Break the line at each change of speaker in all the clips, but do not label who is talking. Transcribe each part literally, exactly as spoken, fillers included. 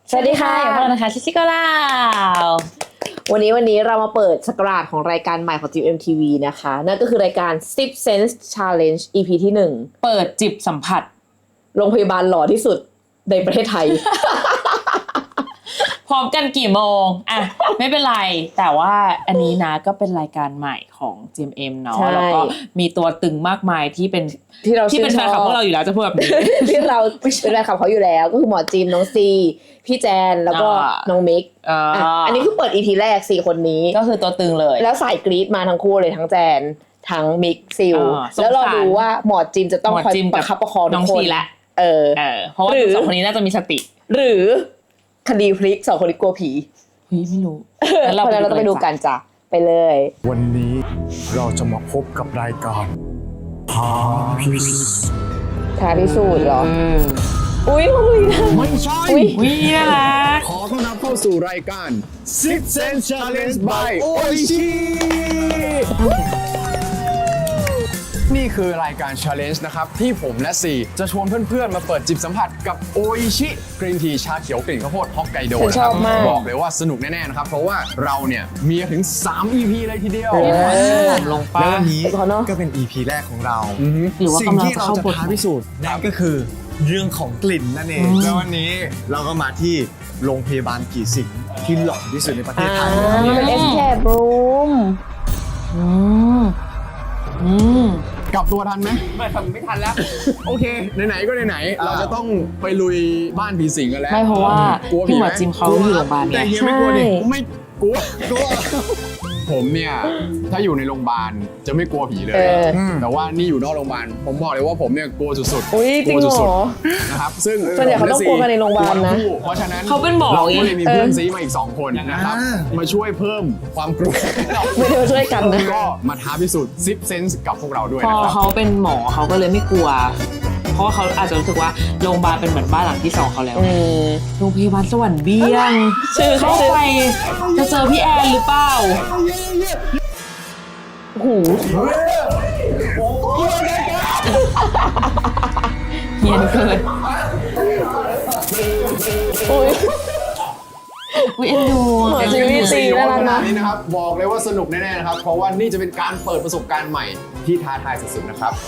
สวัสดีค่ะพวกเรานะคะชิชิโกลาววันนี้วันนี้เรามาเปิดสกราดของรายการใหม่ของ จี เอ็ม ที วี นะคะนั่นก็คือรายการ Sip Sense Challenge อี พี ที่หนึ่ง
เปิดจิบสัมผัส
โรงพยาบาลหล่อที่สุดในประเทศไทย
พร้อมกันกี่โมงอ่ะไม่เป็นไรแต่ว่าอันนี้นะก็เป็นรายการใหม่ของ จี เอ็ม เอ็ม เนาะแล้วก็มีตัวตึงมากมายที่เป็น
ที่เรา
ที่เป็นแฟนคลับพวกเราอยู่แล้วจะพูดแบบนี้
ที่เราเป็นแฟนคลับเขาอยู่แล้วก็คือหมอจิมน้องซีพี่แจนแล้วก็น้องมิกอ่ะอันนี้คือเปิด อี พี แรกสี่คนนี้
ก็คือตัวตึงเลย
แล้วสายกรี๊ดมาทั้งคู่เลยทั้งแจนทั้งมิกซิลแล้วเราดูว่าหมอจิมจะต้องคอยประคับประคองทุกคนเออ
เพราะว่าสองคนนี้น่าจะมีสติ
หรือคดีพลิกสองคนนี้กลัวผี
เฮ้ยไม่รู้
แล้วเราต้องไปดูกันจ้ะไปเลย
วันนี้เราจะมาพบกับรายการท้าพิสูจน์
ท้าพิสูจน์เหรออุ้ยอุ้ย
ไม่ใช่
อุ้ยน่ารัก
ขอต้อนรับเข้าสู่รายการ Sip Sense Challenge by Oishi นี่คือรายการ Challenge นะครับที่ผมและซีจะชวนเพื่อนๆมาเปิดจิบสัมผัสกับโออิชิกรีนทีชาเขียวกลิ่นข้าวโพดฮอกไกโดนะครับบอกเลยว่าสนุกแน่ๆนะครับเพราะว่าเราเนี่ยมีถึงสาม อี พี เลยทีเดียว
ลงป้า
วันนี้ก็เป็น อี พี แรกของเราสิ่งที่เราจะท้าพิสูจน์นั่นก็คือเรื่องของกลิ่นนั่นเองแล้ววันนี้เราก็มาที่โรงพยาบาลกี่สิงที่หล่อที่สุดในประเทศไทย
เป็น Escape Room
อืมอืม
กลับตัวทันไหม
ไม่ทันไม่ทันแล้ว
โอเคไหนๆก็ไหนๆเราจะต้องไปลุยบ้านผีสิงกันแล้ว
ไม่เพราะว่าพี่หมอจิมเขาอยู่โรงพยาบาล
เนี่ยแต่เฮียไม่กลัวดิไม่กลัวกลัวผมเนี่ยถ้าอยู่ในโรงพยาบาลจะไม่กลัวผีเลยแต่ว่านี่อยู่นอกโรงพยาบาลผมบอกเลยว่าผมเนี่ยกลัวสุด
ๆกลัว
สุดๆนะครับซึ่ง
ส่วนใหญ่เขาต้องกลัวกันในโรงพยาบาลนะ
เพราะฉะนั้น
เขาเป็นหมอ
เราก็เลยมีเพื่อนซีมาอีกสองคนนะครับมาช่วยเพิ่มความกลัว
ไม่ได้มาช่วยกันนะ
ก็มาท้าพิสูจน์ซิปเซนส์กับพวกเราด้วย
พอเขาเป็นหมอเขาก็เลยไม่กลัวเพราะว่าเขาอาจจะรู้สึกว่าโรงพยาบาลเป็นเหมือนบ้านหลังที่สองเขาแล้วโรงพยาบาลสวรรค์เบี้ยงชื่อเข้าไปจะเจอพี่แอนหรือเปล่า
โอ้โห
เฮียนเกิน
โอ้ย
อุ้ยเอ็นดู
หมอจิมมี่ซีน่ารักนะ
นี่นะครับบอกเลยว่าสนุกแน่ๆนะครับเพราะว่านี่จะเป็นการเปิดประสบการณ์ใหม่ที่ท้าทายสุดๆนะครับ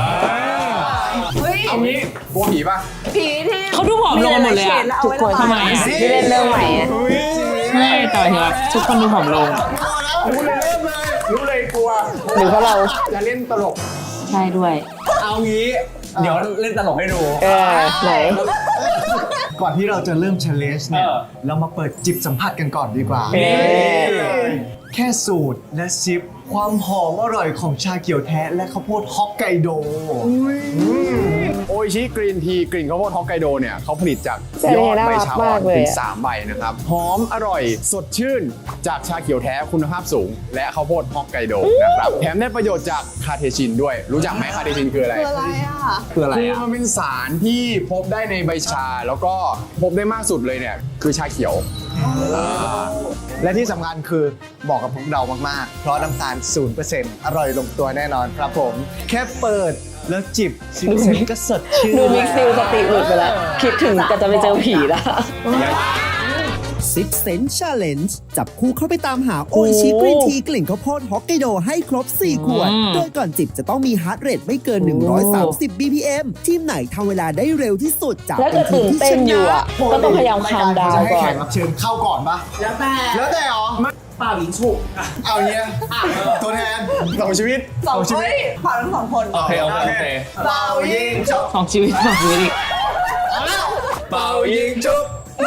เอางี้กลัวผีป่ะ
ผีที่
เขาดูผอมลงหมดเลยอะ
ทุกคนทำไมที่เล่นเรื่องใหม่อะ
ใช่แต่เห็นว่าทุกคนดูผอมลง
รู้เลยเริ่มเลยรู้เลยกลัว
หรือเพราะเรา
จะเล่นตลก
ใช่ด้วย
เอางี้เดี๋ยวเล่นตลกให้ดู
เออไหน
ก่อนที่เราจะเริ่ม challenge เนี่ยเรามาเปิดจิบสัมผัสกันก่อนดีกว่าแค่สูตรและซิปความหอมอร่อยของชาเขียวแท้และข้าวโพดฮอกไกโดโออิชิกรีนทีกลิ่นข้าวโพดฮอกไกโดเนี่ยเขาผลิตจากยอดใบชาอ่อนถึงสามใบนะครับหอมอร่อยสดชื่นจากชาเขียวแท้คุณภาพสูงและข้าวโพดฮอกไกโดนะครับแถมได้ประโยชน์จากคาเทชินด้วยรู้จักไหมคาเทชินคืออะไร
คืออะไรอ่ะ
คืออะไรอ่ะคือมันเป็นสารที่พบได้ในใบชาแล้วก็พบได้มากสุดเลยเนี่ยคือชาเขียว
และที่สำคัญคือเหมาะกับพวกเรามากๆเพราะน้ำตาล ศูนย์เปอร์เซ็นต์ อร่อยลงตัวแน่นอนครับผมแค่เปิดแล้วจิบซิปเซนก็สดชื่น
ดูมิกซิลสติหลุดไปแล้วคิดถึงก็จะไปเจอผีแล้ว
Sip Sense Challenge จับคู่เข้าไปตามหาโออิชิกรีนทีกลิ่นข้าวโพดฮอกไกโดให้ครบสี่ขวดโดยก่อนจิบจะต้องมีฮาร์ทเรทไม่เกินหนึ่งร้อยสามสิบ บี พี เอ็ม ทีมไหนทำเวลาได้เร็วที่สุดจะ
เป็นทีมที่ชนะก็ต้องพยายามคามดาวก่อน
ให้แขกรับเชิญเข้าก่อนปะ
แล้วแต่
แล้วแต่หรอ
เปล่ายิงฉุก
เอาเนี้ยตัวแทนสองชีวิต
สองชีวิตผ่านทั้งสองคน
โอเคโอเคโอเค
เป่ายิงฉุก
สองชีวิตสองชีวิตอีก
เป่ายิงฉุก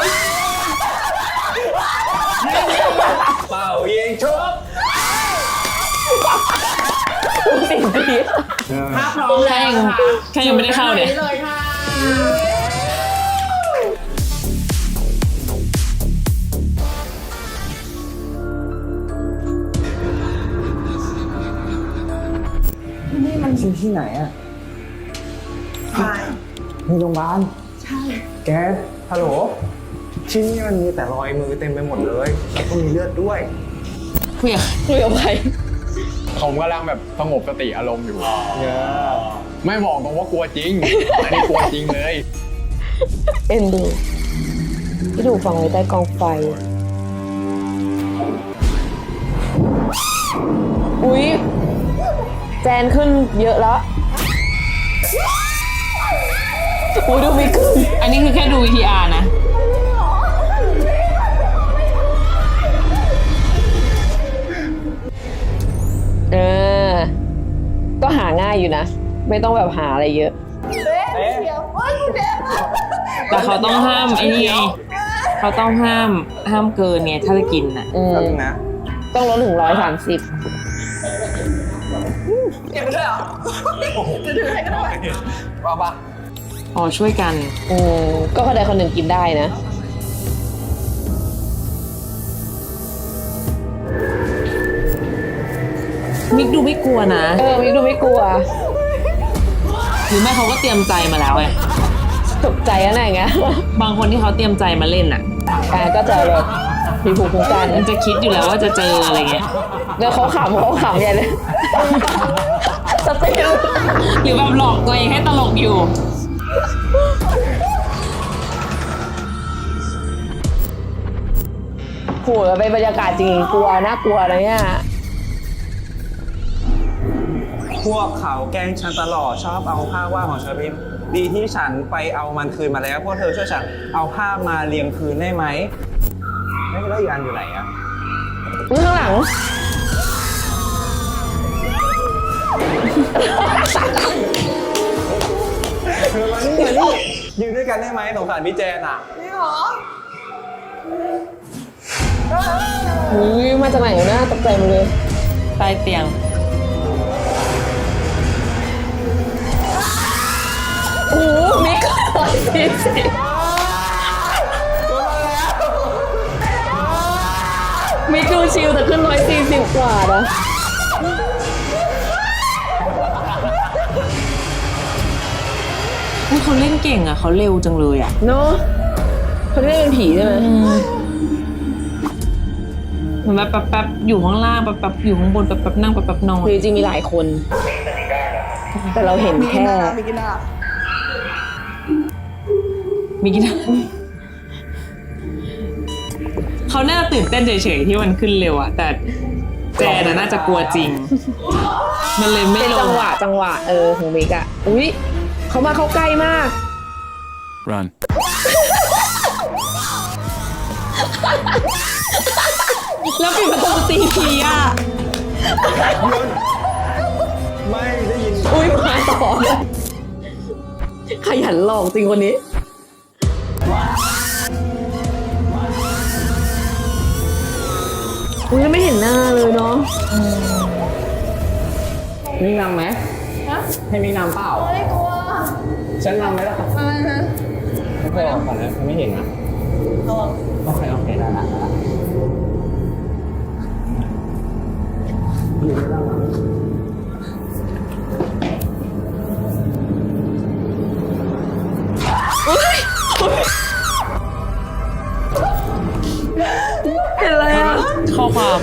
เป่ายิงฉุก
สิ่งดี
ถ้าพร้อมแล้วค่ะ
แค่ยังไม่ได้เข้าเนี่ย
เลยค่ะ
ที่นี่มันอยู่ที่ไหนอะในโรงพยาบาล
ใช่
แกฮัลโหลที่นี่มันมีแต่รอยมือเต็มไปหมดเลยแล้วก็มีเลือดด้วย
คุยกับ
คุยกับใคร
ผมกำลังแบบสงบสติอารมณ์อยู่ไม่บอกตรงว่ากลัวจริงอันนี้กลัวจริงเลย
เอ็นดูพี่ดูฟังไว้ใต้กองไฟ อุ๊ย แจนขึ้นเยอะแล้วอุ๊ยดูมีขึ้น
อันนี้คือแค่ดู วี ที อาร์ นะ
เออ ก็หาง่ายอยู่นะ ไม่ต้องแบบหาอะไรเยอะ
แต่เขาต้องห้ามไอ้นี่ไงเขาต้องห้ามห้ามเกินเนี่ยถ้าจะกินน่ะ
อืม
นะ
ต้องลดถึงร้อยสามสิบ
ว่าปะ
อ๋อช่วยกัน
อืมก็คนใดคนหนึ่งกินได้นะ
มิกดูไม่กลัวนะ
เออมิกดูไม่กลัว
หรือไม่เขาก็เตรียมใจมาแล้วไง
ตกใจอะไรอย่างเงี้ย
บางคนที่เขาเตรียมใจมาเล่นอ่ะ
อ่าก็จะแบบมีภูมิคุ้มกัน
มันจะคิดอยู่แล้วว่าจะเจออะไรเงี้ย
แล้วเขาขำเขาขำใหญ่เลยสติล
หรือแบบหลอกตัวเองให้ตลกอยู่
โหแล้วเป็นบรรยากาศจริงกลัวน่ากลัวนะเนี่ย
พวกเขาแกล้งฉันตลอดชอบเอาภาพวาดของฉันไปดีที่ฉันไปเอามันคืนมาแล้วพวกเธอช่วยฉันเอาภาพมาเรียงคืนได้ไหมไม่แล้วอีกอันอยู่ไหนอะ
อุ๊ยข้างหลัง
เธอมานี่มานี่ยืนด้วยกันได้ไหมสงสารพี่แจนอะ
อุ้ยมาจากไหนวะเนี่ยตกใจหมดเลย
ใต้เตียง
โอ้โหมิกร้อยสี่สิบมิกดูชิลแต่ขึ้นร้อยสี่สิบกว่านะ
อุ๊ยเขาเล่นเก่งอ่ะเขาเร็วจังเลยอ่ะ
เนาะเขาได้เป็นผีใช่ไหม
เหมือนแบบแป๊บๆอยู่ข้างล่างแป๊บๆอยู่ข้างบนแป๊บๆนั่งแป๊บๆนอน
คือจริงๆมีหลายคน แต่เราเห็นแค่
มีกินเขาน่าจะตื่นเต้นเฉยๆที่มันขึ้นเร็วอะแต่แจนน่ะน่าจะกลัวจริง มันเลยไม่
เป็น
ล
จั
ง
งหวะจังหวะเออของมิกอะอุ๊ยเขามาเข้าใกล้มาก
Run.
แล้วปิดประตูตีทีอะ
ไม่ได้ยิน
อุ้ยมาต่อเลยขยันหลอกจริงคนนี้ อุ้ยไม่เห็นหน้าเลยเนาะ
มีนำไหมให้มีนำเปล่าไม่กลัวฉันนำไหมล่ะไม่นะไม่เคยออกก่อนนะไม่เห็นนะโอเคโอเคได้ละ
เห็นอะไรอ่ะ
ข้อความ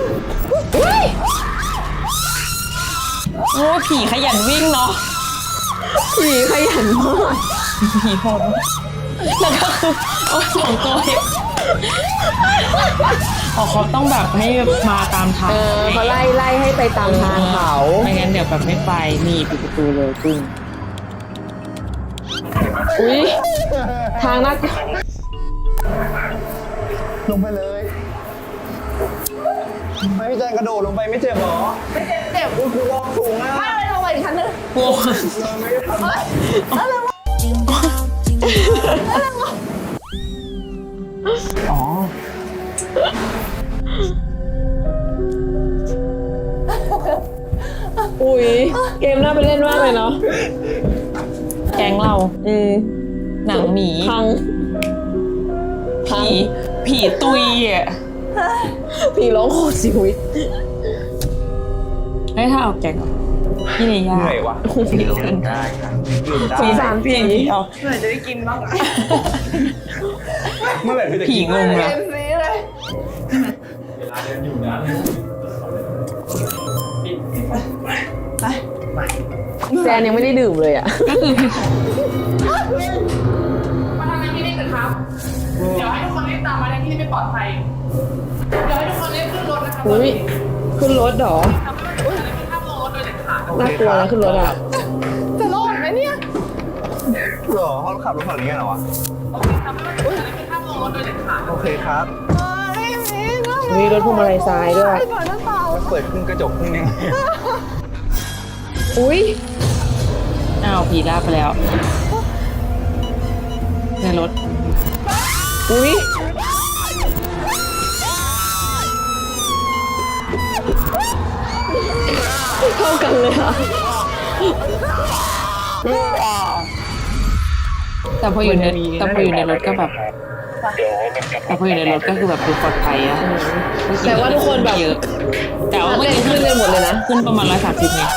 โอ้ผีขยันวิ่งเนาะ
ผีขยันมาก
ผีโหดมากแล้วก็คือโอ้สองตัวเองอ๋อเขาต้องแบบให้มาตามทาง
เออเขาไล่ไล่ให้ไปตามทางเขา
ไม่งั้นเดี๋ยวแบบไม่ไปนี่ปิดประตูเลยปึ้ง
อุ้ยทางนัก
ลงไปเลย
ไม่พี่แจนกระโดดลงไปไม่เจ็บหรอไม่เจ็บเจ็บกูลองสูงอ่ะ
โอ้
อ๋อ
อุ้ยเกมน่าไปเล่นมากเลยเนาะ
แก๊งเรา
อืม
หนังหมี
พัง
ผีผีตุยอ่ะ
ผีร้องโคตรชีวิต
เฮ้ยถ้าเอาแก๊งออกพี่เนย่า
เหนื่อยวะ
ผีเกิน
ได้ยืนได้
สงสารผี
เอา
เมื่อไหร่พี่จะ
ผี
กิน
งงละ
แจนยังไม่ได้ดื่มเลยอ่ะ
ก็คือ
ม
เดี๋ยวให้ทุกคนรีบตามมาในที่ไม่ปลอดภัย เดี๋ยวให้ทุกคนรีบขึ้นรถนะคะ
อุ้ยขึ้นรถเหรอ
ทำให้ทุกคนไม่ข้ามลงรถโดยเด็ดขาด
น่ากลัวนะขึ้นรถอ่ะ
จะรอดไหมเนี่ย
หรอเขาขับรถฝั่งนี้กันเหรอวะ
ทำให้ทุกคนไม่ข้ามลงรถโดยเด็ดขาด
โอเคครับ
มีรถพวงมาลัยซ้ายด้วย
มันเปิดครึ่งกระจกครึ่งนึง
อุ้ย
อ้าวผีลากไปแล้วในรถ
อุ้ยเข้ากันเลยอ่ะ
แต่พออยู่ในแต่พออยู่ในรถก็แบบแต่พออยู่ในรถก็คือแบบดูปลอดภัยอะ
แต่ว่าทุกคนแบบ
เยอะ แต่ว่า
เล่
เมื่อน กี้
ขึ้นกันหมดเลยนะ
ขึ้นประมาณร้อยสามสิบไง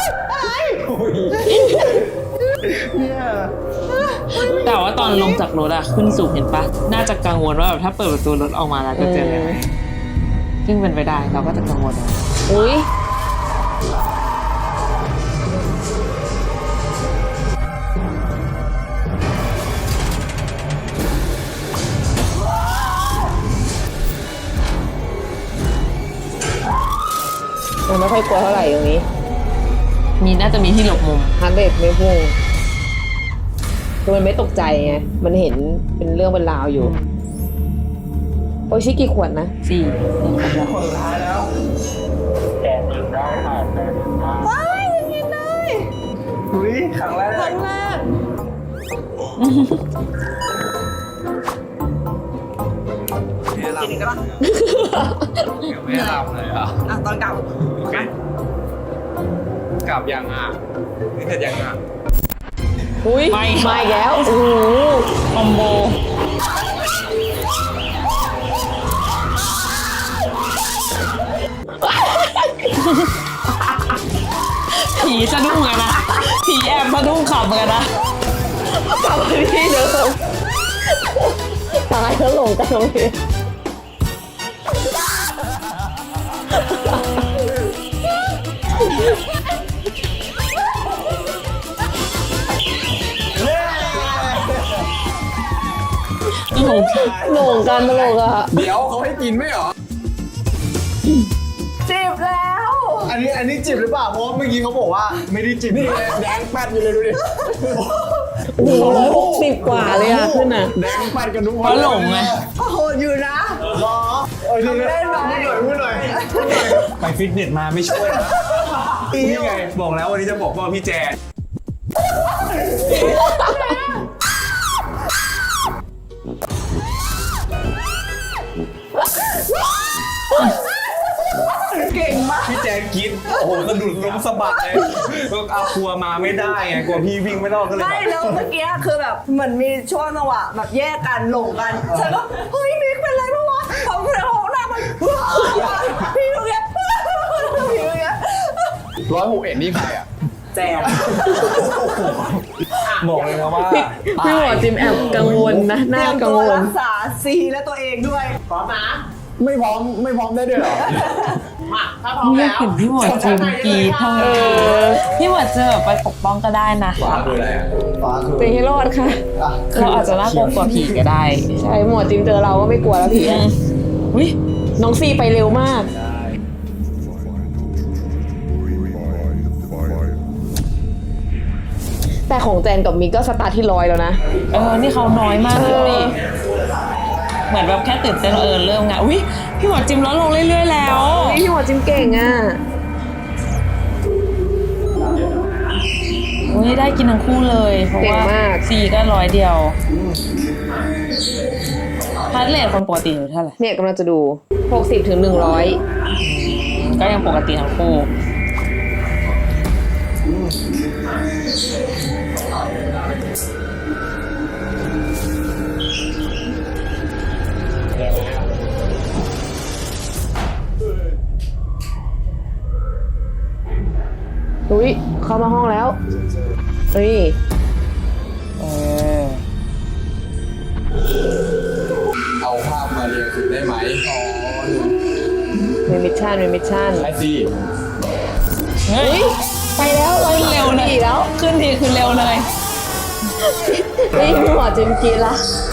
แต่ว่าตอนลงจากรถอะขึ้นสูงเห็นปะน่าจะกังวลว่าแบบถ้าเปิดประตูรถออกมาแล้วจะเจออะไรไหมซึ่งเป็นไปได้เราก็จะกังวล
อุ้ยมันไม่ค่อยกลัวเท่าไหร่ตรงนี้
มีน่าจะมีที่หลบมุม
ฮาร์ดเรทไม่พุ่งคือมันไม่ตกใจไง มันเห็นเป็นเรื่องเป็นราวอยู่ โอชิกี่ขวดนะ
สี่เนี่ยครบแล้ว
คนสุดท้ายแล้วอุ้ยครั้งแรกครั้งแรกกินอีกก็ได้ไม่หลับเลยอ่ะ
อ่ะตอนกลับ
โอเคกลับยังอ่ะนี่เสร็จยังอ่ะ
อุ้ยมาอีกแล้ว โอ้โห
คอมโบผีสะดุ้งอะนะผีแอบสะดุ้งขับเหมือนกันนะ
กลับมาที่เดิมตายแล้วหลงกันตรงนี้หลงหลงกันตลกอะ
เดี๋ยวเขาให้กินไม่เหรอ
จีบแล้ว
อันนี้อันนี้จิบหรือเปล่า เพราะว่าเมื่อกี้เขาบอกว่าไม่ได้จิบนี่แดงแป๊ดอยู่เลยดูดิ
โอ้โหร้อยหกสิบกว่าเลยอะขึ้นอะ
แดงแป๊ดกันทุกคน
เพราะหลงไง
ก็โหดอยู่นะ
รอเออดูนะพูดหน่อยพูดหน่อยพูดหน่อย
ไปฟิตเนสมาไม่ช่วยนะนี่ไงบอกแล้ววันนี้จะบอกว่าพี่แจน
เก่งมาก
พี่แจนกินโอ้โหกระดุดล้มสะบัดเลยก็เอาครัวมาไม่ได้ไงกลัวพี่วิ่งไม่รอดก็เลย
ไม่
แบบ
แล้วเมื่อกี้คือแบบเหมือนมีช่วงจังหวะแบบแยกกันหลงกันฉันก็เฮ้ยมิกเป็นไรบ้างวะพอเพื่อนของหน้ามันพี่ตรงเนี้ยพี่ตรงเนี้ย
ร้อยหกเอ็ดนี่ใครอ่ะ
แจม
บอกเลยนะว่า
พี่หมอจิมแอบกังวลนะน่ากังว
เตรียมตัว
ล
รักษาซีและตัวเองด้วยพร้อมนะ
ไม่พร้อมไม่พร้อมได้ด้วยเหรอ
มาถ้าพร้อม
อยา
แล้
ก
ว
เห็นพี่หมวดจิมกรีดทำไมพี่หมวดจะแบบไปปกป้องก็ได้นะ
ฟ้าคืออะไรอ่ะฟ้าคือ
เป็นให้รอดค่ะ
อ่ะ
เราอาจจะน่ากลัวกว่าผีก็ได้
ใช่หมอจิมเจอเราก็ไม่กลัวแล้วผีอะ
อุ้ย
น้องซีไปเร็วมาก แต่ของแจนกับมิกก็สตาร์ทที่ร้อยแล้วนะ
เออนี่เขาน้อยมากเลยนี่เหมือนแบบแค่ตื่นเต้นเออเริ่มงานอุ้ยพี่หมวดจิมลดลงเรื่อยๆแล้ว
นี่พี่หมอจิมเก่งอ่ะ
อุ้ยได้กินทั้งคู่เลยเพราะ
เก่ง
ว่าม
าก
ซีก็ร้อยเดียวฮาร์ดเรทคนปกติอยู่เท่าไหร่
เนี่ยกำลังจะดู หกสิบถึงหนึ่งร้อย
ก็ยังปกติทั้งคู่
อุ้ยเข้ามาห้องแล้วเฮ้ย
เออ
เอาภาพมาเรียงคือได้ไหมอ๋อ
มีมิชชั่นมีมิชชั่น
ไอซี
เฮ้ย
ไปแล้วเรา
ขึ้นเร็วเลย
อีกแล้ว
ขึ้นทีคือเร็วเลย
นี่พี่หมอจิมกินละ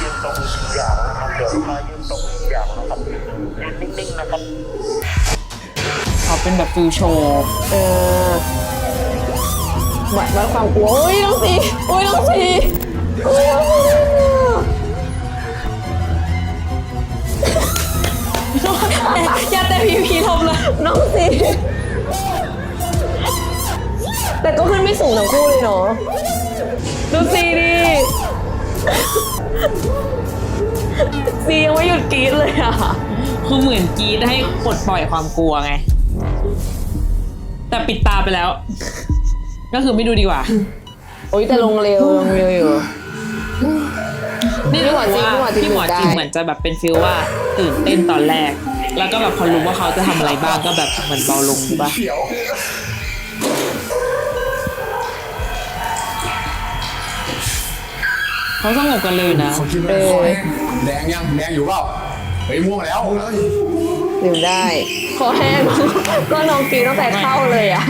เขาเป็นแบบฟิลโชว์
เออวัดวัดความกลัวโอ้ยน้องสีโอ้ยน้องสีโอ้ยน้องสี
อย่าแต่พีพีทำเลย
น้องสีแต่ก็ขึ้นไม่สูงทั้งคู่เลยเนาะ
ดูซีดิซียังไม่หยุดกรี๊ดเลยอ่ะคือเหมือนกรี๊ดให้ปลดปล่อยความกลัวไง แต่ปิดตาไปแล้ว ก็คือไม่ดูดีกว่า
โอ้ยแต่ลงเร็วลงเร็วอยู่
นี่
พี่หมอ
รู้
จริง
ว่า
พี่หมอจริง
พี่หมอจริง
ได้
เหมือนจะแบบเป็นฟิลว่าตื่นเต้นตอนแรก แล้วก็แบบพอรู้ว่าเขาจะทำอะไรบ้างก็แบบเหมือนเบาลงดูป่ะเขาสงบกันเลยนะ
เขาคิดว่าคอแดงยังแดงอยู่เปล่าเฮ้ยม่วงแล้ว
ดื่มได้คอแห้ง ก็น้องกินตั้งแต่เข้าเลยอ่ะ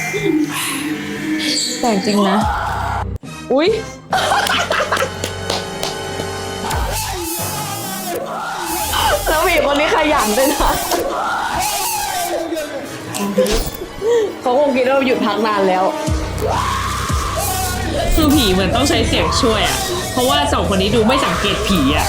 แต่จริงนะ
อุ้ยแล้วผีคนนี้ขยันด้วยนะเขาคงคิดว่าหยุดพักนานแล้ว
คือผีเหมือนต้องใช้เสียงช่วยอ่ะ เพราะว่าสองคนนี้ดูไม่สังเกตผีอ่ะ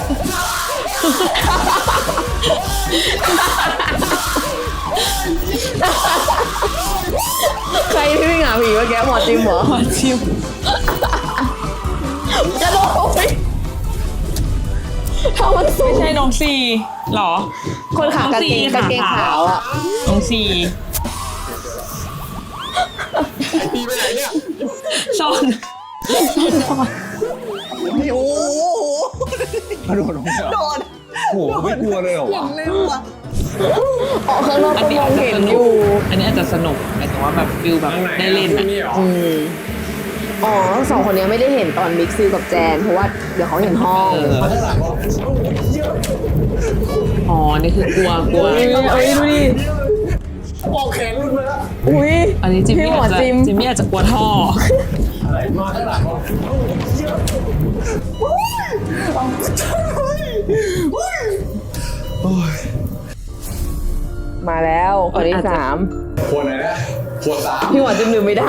ใครที่วิ่งหาผีเมื่อกี้หมอจิมเหรอ
หมอจิม
จะโดนไปทำมันสูง
ไม่ใช่น้องซีหรอ
คนขากางเกงกางเกงขาวอ่ะ
น้องซี
ไอปีไปไหนเนี่ย
ซ่อน
นี่โอ้โหกระโดดลงมา
โดน
โอ้โหไม่กลัวเลยเหรอวะ
เร็วอ่ะ
ออกข้างนอก
อั
ก็
นนี้
มอ
อาง จจะ
เห็น
ส
อ
นุก
ยู่
อันนี้อาจจะสนุกหมายถึงว่าแบบฟิลแบบได้เล่นอ่ะ
อืมอ๋อสองคนนี้ไม่ได้เห็นตอนมิกซ์ซิลกับแจน เพราะว่าเดี๋ยวเขาเห็นห้อง
เอออ๋อ นี่คือกลัวกลัว
เอ้ยเอ้ยดูดิ
บอกแขนรุดมาแล้ว
อุ้ย
อันนี้จิม
พี่
มี่
หมอ
อาจจะ
จิม
จิมมี่อาจจะกลัวท่อ
มาข้างหลัง
มาแล้วคนที่สาม
ขวดไหนนะขวดสาม
พี่หมอจิมลืมไม่ได้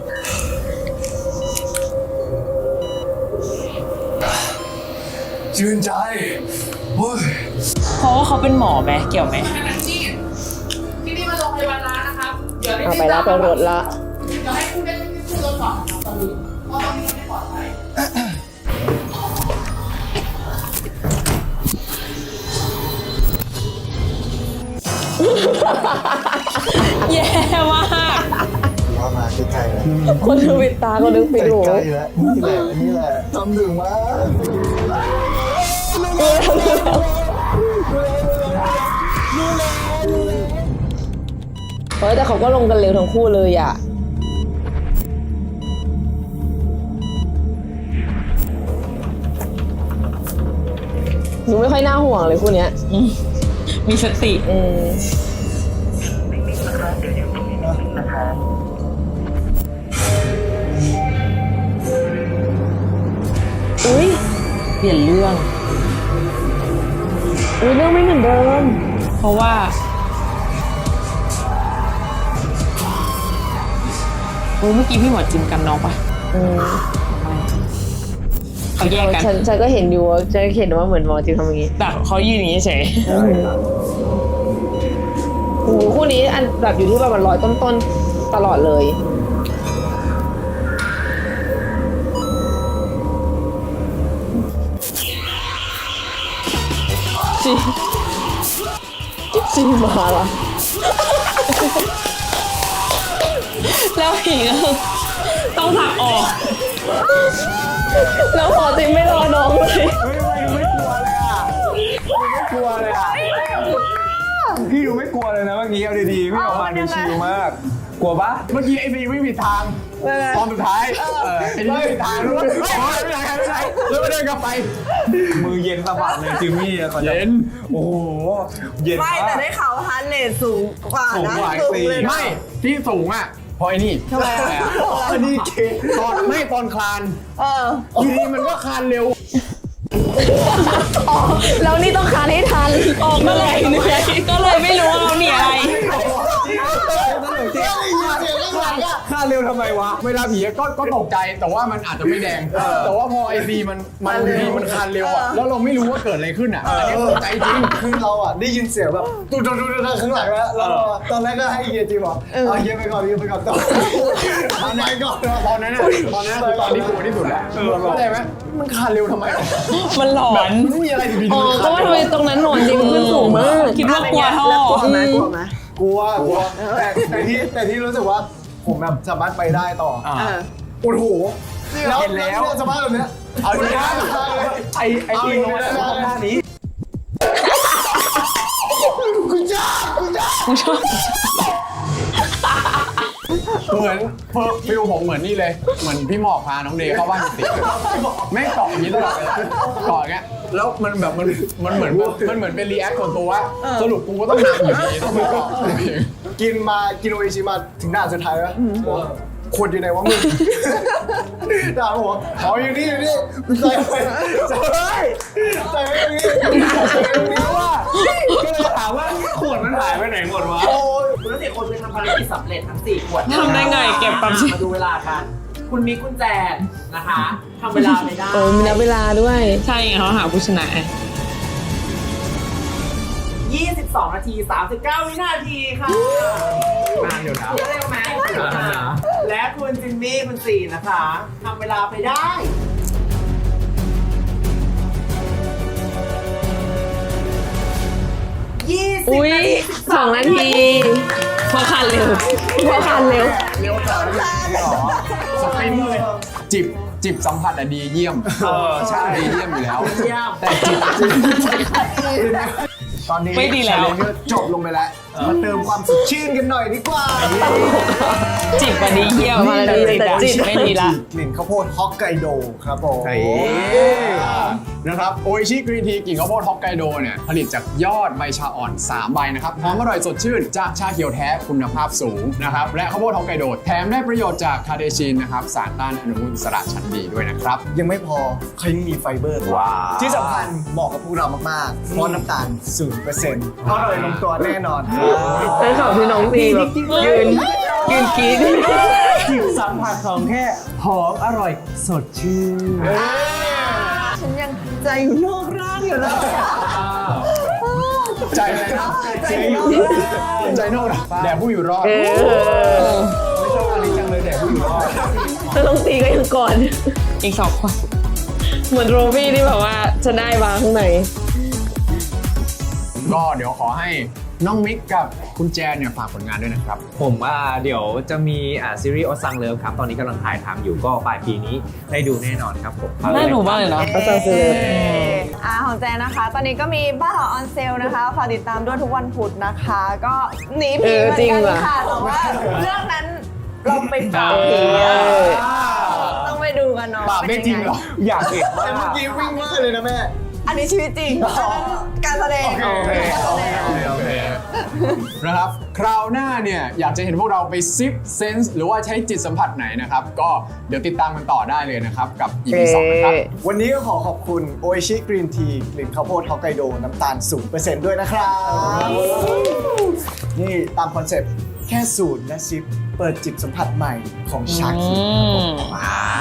ชื่นใจเฮ้ย
เพราะว่าเขาเป็นหมอไหมเกี่ยวไหม
ที่นี่มาโรงพยาบาลร้านนะครับ เดี๋ยว
เอาไปแล้วไปรถละ
เดี๋ยวให้คุณได้ขึ้นรถก่อนนะครับตอนนี้เพราะตอนนี้มันไม่ปลอดภัย
แย่มาก
ว่ามาใกล้ๆแล้ว
คนนึงปิดตาคนนึงปิดหู
ใกล้ๆแล้วนี่แหละนี่แหละทำถึงมาก
เฮ้ยแต่เขาก็ลงกันเร็วทั้งคู่เลยอ่ะ หนูไม่ค่อยน่าห่วงเลยคู่เนี้ย
มีสติ
อืมอุ้ย
เปลี่ยนเรื่อง
อุ้ยเรื่องไม่เหมือนเดิม
เพราะว่าโอ้เมื่อกี้พี่หมอจิมกันน้องปะ
อืม
เขาแยกกัน
ฉันฉันก็เห็นอยู่ว่าฉันเห็นว่าเหมือนหมอจิมทำอย่างงี้
แต่เขายืนอย่างนี้เฉย
โอ้โหคู่นี้อันแบบอยู่ที่ประมาณร้อยต้นๆตลอดเลย จีจีมาละ
แล้วผีก็คือต้องผลักออก
แล้วพอจิมไม่รอน้องเลย
กลัวเลยอ่ะพี่ดูไม่กลัวเลยนะเมื่อกี้เอาดีๆพี่ออกมาดูชิลมาก กลัวปะ
เมื่อกี้ไอบีวิ่งผิดทางตอนสุดท้ายเออไอบีวิ่งผิดทางรู้ว่าไม่ไหนไม่ไหนไม่ไหนแล้วก็เดินกลับไป
มือเย็นสะบัดเลยจิมมี่อะเย็นโอ้โหเย็น
ไม่
มา
แต่
ก
ได้ข่าวฮาร์ดเรทสูงกว่า
สูง
นะ
กว่า
สูง
สี่
เลยนะ
ไม่ที่สูงอ่ะเพราะไอ้นี่
ทำไมอ่ะ
อันนี้เก
ตอนไม่ตอนคลาน
เออ
ทีนี้มันก็คลานเร็ว
แล้วนี่ต้องคานให้ทัน
ออกมาเลยเหนื่อยก็เลยไม่รู้ว่าเราหนีอะไร
คลานเร็วทำไมวะเวลาผีก็ก็ตกใจแต่ว่ามันอาจจะไม่แดง แต่ว่าพอไอซีมันมันดีมันคลานเร็วอ่ะแล้วเราไม่รู้ว่าเกิดอะไรขึ้นอ่ะอันนี้ตกใจจริง
คือเราอ่ะได้ยินเสียงแบบตุ๊ดตุ๊ดตุ๊ดข้างหลังแล้วแล้วตอนแรกก็ให้เฮียจีบอกเอาเฮียไปก่อนเฮียไปก่อนต่อตอนนั้นก่อน
ตอนนั้นน่ะตอนนั้นคือตอนที่กลัวที่สุดแล้วเข้าใจไหมมันคลานเร็วทำไม
มันหลอน
ไม่มีอะไรดี
อ๋อก็ว่าทำไมตรงนั้นหนอนจริงขึ้นสูงมาก
คิดว่ากลัวท่อ
แล้วกลัวไหมกลัวไหม
กลัวกลัวแต่แต่ที่แต่ที่รู้สึกว่าผมแบบสามารถไปได้ต่อ
เออ
โอ้โห
เห็นแล้ว
สภาพแบบเนี้ย
เอาดิไอไอทีมมันหน้านี้
กูจ้ากูจ้า
เหมือนฟิลผมเหมือนนี่เลยเหมือนพี่หมอกพาน้องเดย์เข้าบ้านติแม่งเกาะอย่างนี้ตลอดเลยเกาะอย่างเงี้ยแล้วมันแบบมันมันเหมือนมันเหมือนเป็นรีแอคส่วนตัวว่าสรุปกูก็ต้องนำอยู่ดีต้องมาเกาะ
กินมากินโออิชิมาถึงด่านสุดท้ายแล้วขวดอยู่ไหนวะมึงด่าผมว่าอ๋ออยู่นี่อยู่นี่ใส่ไปใส่ไปใส่ไปตรงนี้ใส่ไปตรงนี้ว่า
ก็เลยถามว่าขวดมันหายไปไหนหมดวะ
โอ้ย
คุณทั้งสี่คนไปทำภารกิจสำเร็จทั้งสี่ขวด
ทำได้ไงเก็บความ
มาดูเวลากัน คุณมีกุญแจนะคะทำเวลาไม่ได้
โอ้มีนับเวลาด้วย
ใช่ไงเขาหาผู้ชนะ
ยี่สิบสองนาทีสามสิบเก้าวินาทีค่ะ
นานอยู่นะ
เร็วไหมและคุณจิมมี่คุณสี่นะคะทำเวลาไปได้ยี่สิบ
อุ้ย
นาที
สองนาทีพอคันเร็วพอคันเร็ว
เร็วจังสปรินต์เลยจิบจิบสัมผัสอะดีเยี่ยมเออใช่ดีเยี่ยมอยู่แล้ว
เยี่ยม
แต่จิบจิบ
ตอนนี้
ไม่ดีแล้ว
challenge จบลงไปแล้วมาเติมความสดชื่นกันหน่อยดีกว่า
จิบวันนี้เยี่ยม
มาแล้วดีแต่จิต
ไม่ดีละ
กลิ่นข้าวโพดฮอกไกโดครับผม
นะครับโออิชิกรีนทีกลิ่นข้าวโพดฮอกไกโดเนี่ยผลิตจากยอดใบชาอ่อนสามใบนะครับหอมอร่อยสดชื่นจากชาเขียวแท้คุณภาพสูงนะครับและข้าวโพดฮอกไกโดแถมได้ประโยชน์จากคาเดชินนะครับสารต้านอนุมูลอิสระชั้นดีด้วยนะครับ
ยังไม่พอเขายังมีไฟเบอร์ด้วย
ว้าว
ที่สำคัญเหมาะกับพวกเรามากๆเพราะน้ำตาล ศูนย์เปอร์เซ็นต์ อร่อยลงตัวแน่นอน
แล้วข่าวที่น้องตีแบบยืนยืนกรี๊ด
ผิวสัมผัสของแค่หอมอร่อยสดชื่น
ฉันยังใจอยู่นอกร่างอยู่เลย
ใจเลยนะใจโน่ใจโน่นะแด่ผู้อยู่รอด
เออ
ไม่ชอบอะไรจังเลยแด่ผู้อยู่รอด
แล้วน้องตีก็ยังก่อน
อีกสองคน
เหมือนโรบี้ที่แบบว่าจะได้วางข้างใน
ก็เดี๋ยวขอให้น้องมิกกับคุณแจนเนี่ยฝากผลงานด้วยนะครับ
ผมอ่าเดี๋ยวจะมีอ่าซีรีส์ออซังเลิฟครับ ตอนนี้กำลังถ่ายทำอยู่ก็ปลายปีนี้ได้ดูแน่นอนครับผม
น่าดูมากเลยเนาะ
ก็จะซื้อ
อ่าของแจนนะคะ ตอนนี้ก็มีบ้านหอออนเซลนะคะฝากติดตามด้วยทุกวันพุธนะคะ ก็หนีผีเหมือนกันค่ะแต่ว่าเรื่องนั้นเราไปปราบผีอะต้องไปดูกันเนาะ
ปราบได้จริงเหรอ
อยากเห็น
แต่เมื่อกี้วิ่งมากเลยนะแม่
อันนี้ชีวิตจริงอันนั้นการแสดง
โอเค
การแสดง
โอเคนะครับ คราวหน้าเนี่ยอยากจะเห็นพวกเราไปซิปเซนส์หรือว่าใช้จิตสัมผัสไหนนะครับ ก็เดี๋ยวติดตามกันต่อได้เลยนะครับ กับ อี พี สองนะครับ
วันนี้ก็ขอขอบคุณโออิชิกรีนทีกลิ่นข้าวโพดฮอกไกโดน้ำตาล ศูนย์เปอร์เซ็นต์ ด้วยนะครับ นี่ตามคอนเซ็ปต์แค่สูตรและซิปเปิดจิบสัมผัสใหม่ของชาคิครับผม
ว้าว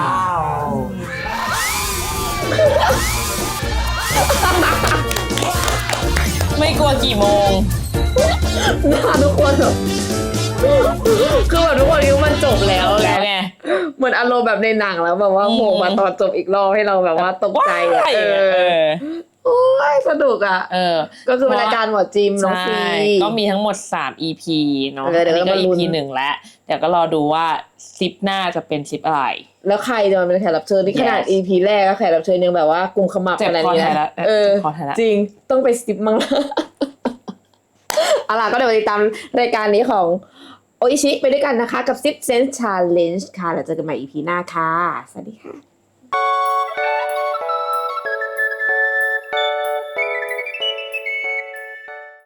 ไม่กลัวกี่โมง
หน้าทุกคนแบบคือแบบทุกคนคิดว่ามันจบแล้ว
แล้วไง
เหมือนอารมณ์แบบในหนังแล้วแบบว่าโผล่มาตอนจบอีกรอบให้เราแบบว่าตกใจอะ
ว้าย
เอ
เอ
อ
อ
โอ้ยสนุกอ่ะ
เออ
ก็คือเป็นรายการหมอจิมน้อง
ใช่
ฟี
ก็มีทั้งหมดสาม อี พี เนาะ
เออเดี๋ยว
อันนี้ก็
เรามาลุ้น
อี พี หนึ่งแล้ว เดี๋ยวก็รอดูว่าซิปหน้าจะเป็นซิปอะไร
แล้วใครจะมาเป็นแขกรับเชิญที่ขนาด
Yes
อี พี แรกก็แขกรับเชิญยังแบบว่ากุมขมับ
เจ็บ
ขนาด
คอ
นี้
แทนละ
เออ
เจ็บคอแทนละ
จริงต้องไปสติปมั้งละ เอาล่ะก็เดี๋ยวไปติดตามรายการนี้ของโออิชิไปด้วยกันนะคะกับ Sip Sense Challenge ค่ะแล้วเจอกันใหม่ อี พี หน้าค่ะ สวัสดีค่ะ